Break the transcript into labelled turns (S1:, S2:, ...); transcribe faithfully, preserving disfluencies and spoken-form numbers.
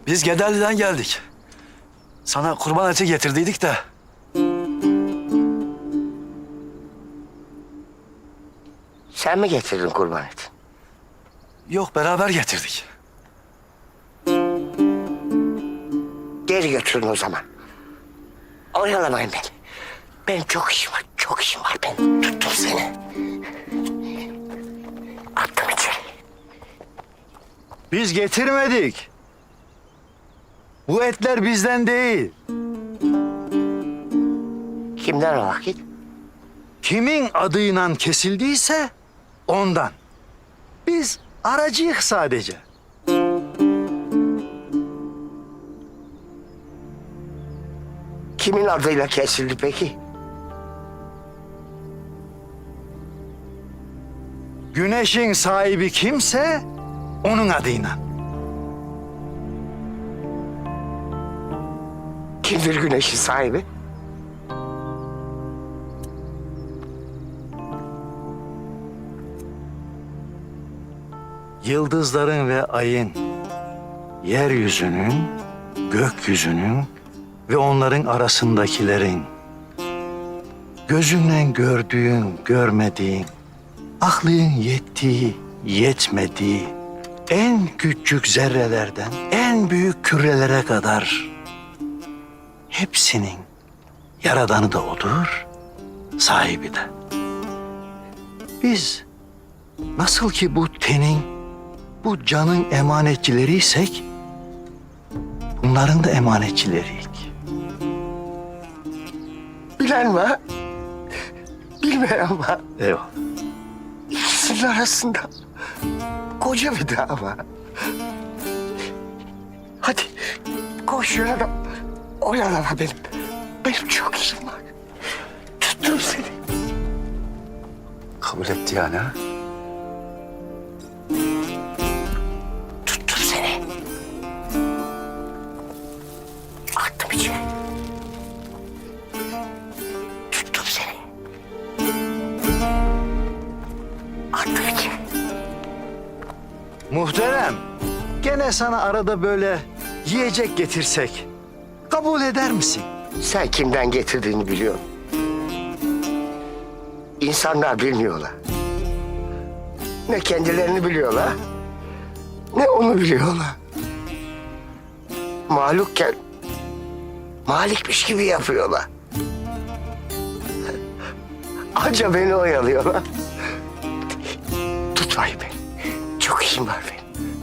S1: Biz Gederli'den geldik. Sana kurban eti getirdiydik de.
S2: Sen mi getirdin kurban eti?
S1: Yok, beraber getirdik.
S2: Geri götürün o zaman. Oyalamayın beni. Benim çok işim var, çok işim var benim. Tuttum seni. Attım içeri.
S1: Biz getirmedik. Bu etler bizden değil.
S2: Kimden o vakit?
S1: Kimin adıyla kesildiyse ondan. Biz aracıyık sadece.
S2: Kimin adıyla kesildi peki?
S1: Güneşin sahibi kimse onun adıyla.
S2: Kimdir güneşin sahibi?
S1: Yıldızların ve ayın, yeryüzünün, gökyüzünün ve onların arasındakilerin, gözünle gördüğün, görmediğin, aklın yettiği, yetmediği, en küçük zerrelerden en büyük kürelere kadar hepsinin yaradanı da odur, sahibi de. Biz nasıl ki bu tenin, bu canın emanetçileriysek, bunların da emanetçileriyik.
S2: Bilen mi? Bilmeyen mi?
S1: Eyvallah.
S2: İkisinin arasında koca bir dağ var. Hadi koş yürü. Oyalama benim. Benim çok işim var. Tuttum seni.
S1: Kabul etti yani ha?
S2: Tuttum seni. Attım içeri. Tuttum seni. Attım içeri.
S1: Muhterem, gene sana arada böyle yiyecek getirsek kabul eder misin?
S2: Sen kimden getirdiğini biliyorsun. İnsanlar bilmiyorlar. Ne kendilerini biliyorlar, ne onu biliyorlar. Mahlukken malikmiş gibi yapıyorlar. Anca beni oyalıyorlar. Tutmayın beni. Çok işim var benim.